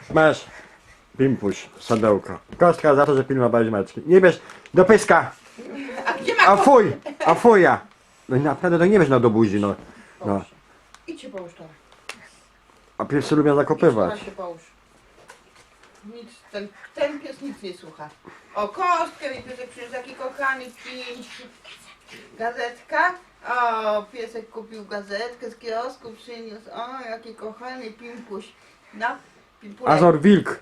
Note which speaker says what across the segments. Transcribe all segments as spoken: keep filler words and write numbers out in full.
Speaker 1: Masz. Pimpuś, sadełko. Kostka za to, że pilnowałeś Maćki. Nie bierz do pyska.
Speaker 2: A gdzie ma
Speaker 1: A
Speaker 2: ko-
Speaker 1: fuj, a fuja. No i naprawdę to nie bierz no do buzi, no. no.
Speaker 2: Idź się połóż teraz.
Speaker 1: A piesy lubią
Speaker 2: Teraz
Speaker 1: zakopywać.
Speaker 2: się połóż. Nic, ten, ten pies nic nie słucha. O, kostkę mi piesek przyniósł, jaki kochany pięć. Gazetka. O, piesek kupił gazetkę z kiosku, przyniósł. O, jaki kochany pimpuś. No, pimpulek.
Speaker 1: Azor wilk.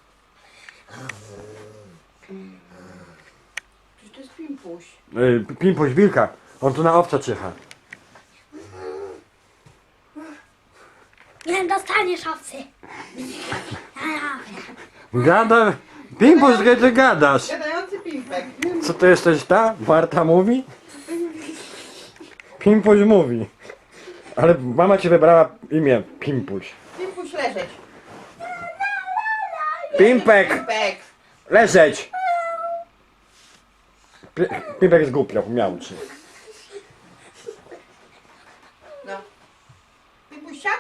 Speaker 2: Przecież to jest pimpuś.
Speaker 1: Y, Pimpuś wilka. On tu na owca czyha.
Speaker 3: Nie dostaniesz owcy. Ja, ja.
Speaker 1: Gada. Pimpuś, gdzie ty gadasz?
Speaker 2: Gadający pimpek.
Speaker 1: Co to jesteś ta? Marta mówi? Pimpuś mówi. Ale mama ci wybrała imię Pimpuś.
Speaker 2: Pimpuś leżeć.
Speaker 1: Pimpek!
Speaker 2: Pimpek.
Speaker 1: Leżeć! Pi- Pimpek zgłupiał, miałczy.
Speaker 2: No. Pimpuś siadł?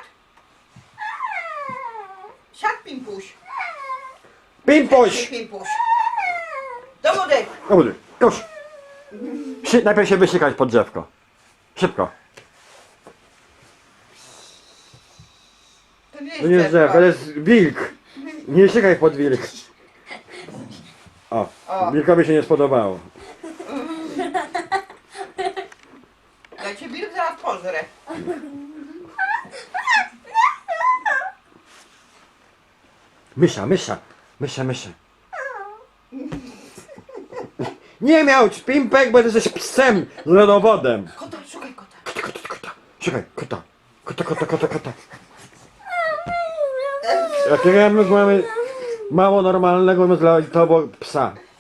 Speaker 2: Siadł pimpuś.
Speaker 1: Pimpuś!
Speaker 2: Pimpuś. Do wody.
Speaker 1: Dobra, już! Sy- najpierw się wysykać pod drzewko. Szybko.
Speaker 2: To nie jest,
Speaker 1: To nie jest drzewo, to jest wilk. Nie sykaj pod wilk. O,
Speaker 2: O.
Speaker 1: wilkowi się nie spodobało.
Speaker 2: Ja cię wilk zaraz pożrę.
Speaker 1: Mysza, mysza, mysza, mysza. Nie miał Pimpek, bo ty jesteś psem z lodowodem.
Speaker 2: Kota, szukaj kota.
Speaker 1: Kota, kota, kota. Szukaj, kota. Kota, kota, kota, kota. Jakiego my mamy mało normalnego dla to psa.